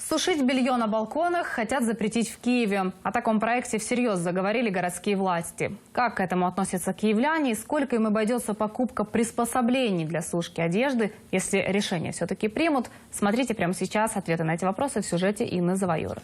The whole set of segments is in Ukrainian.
Сушить белье на балконах хотят запретить в Киеве. О таком проекте всерьез заговорили городские власти. Как к этому относятся киевляне и сколько им обойдется покупка приспособлений для сушки одежды, если решение все-таки примут? Смотрите прямо сейчас ответы на эти вопросы в сюжете Инны Завайори.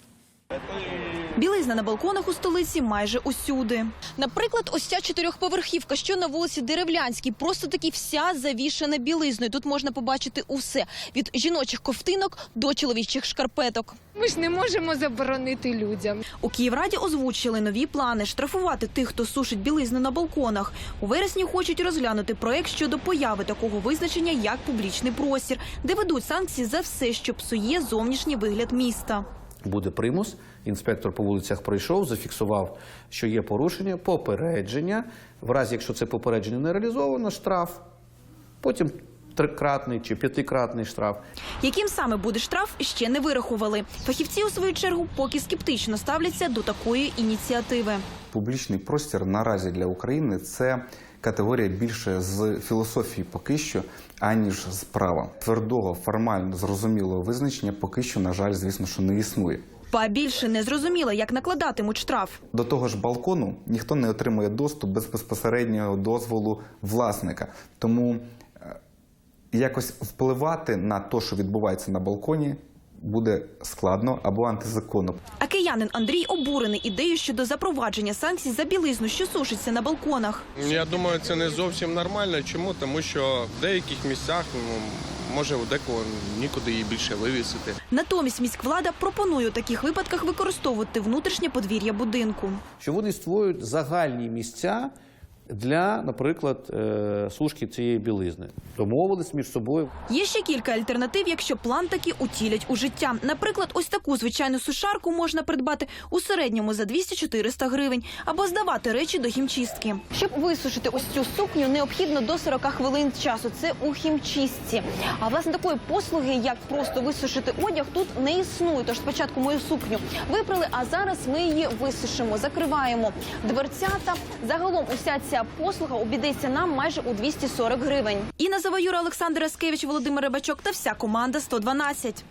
Білизна на балконах у столиці майже усюди. Наприклад, ось ця чотирьохповерхівка, що на вулиці Деревлянській, просто таки вся завішана білизною. Тут можна побачити усе – від жіночих ковтинок до чоловічих шкарпеток. Ми ж не можемо заборонити людям. У Київраді озвучили нові плани – штрафувати тих, хто сушить білизну на балконах. У вересні хочуть розглянути проєкт щодо появи такого визначення, як публічний простір, де ведуть санкції за все, що псує зовнішній вигляд міста. Буде примус, інспектор по вулицях пройшов, зафіксував, що є порушення, попередження. В разі, якщо це попередження не реалізовано, штраф. Потім трикратний чи п'ятикратний штраф. Яким саме буде штраф, ще не вирахували. Фахівці, у свою чергу, поки скептично ставляться до такої ініціативи. Публічний простір наразі для України – це категорія більше з філософії поки що, аніж з права. Твердого, формально зрозумілого визначення поки що, на жаль, звісно, що не існує. Па більше не зрозуміло, як накладатимуть штраф. До того ж балкону ніхто не отримує доступ без безпосереднього дозволу власника. Тому якось впливати на те, що відбувається на балконі, буде складно або антизаконно. А киянин Андрій обурений ідеєю щодо запровадження санкцій за білизну, що сушиться на балконах. Я думаю, це не зовсім нормально. Чому? Тому що в деяких місцях, може, у декого нікуди її більше вивісити. Натомість міськвлада пропонує у таких випадках використовувати внутрішнє подвір'я будинку. Що вони створюють загальні місця для, наприклад, сушки цієї білизни. Домовились між собою. Є ще кілька альтернатив, якщо план таки утілять у життя. Наприклад, ось таку звичайну сушарку можна придбати у середньому за 200-400 гривень або здавати речі до хімчистки. Щоб висушити ось цю сукню, необхідно до 40 хвилин часу. Це у хімчистці. А власне такої послуги, як просто висушити одяг, тут не існує. Тож спочатку мою сукню випрали, а зараз ми її висушимо, закриваємо дверцята. Загалом уся ця послуга обійдеться нам майже у 240 гривень. Інна Завайора, Олександр Раскевич, Володимир Рибачок та вся команда «112».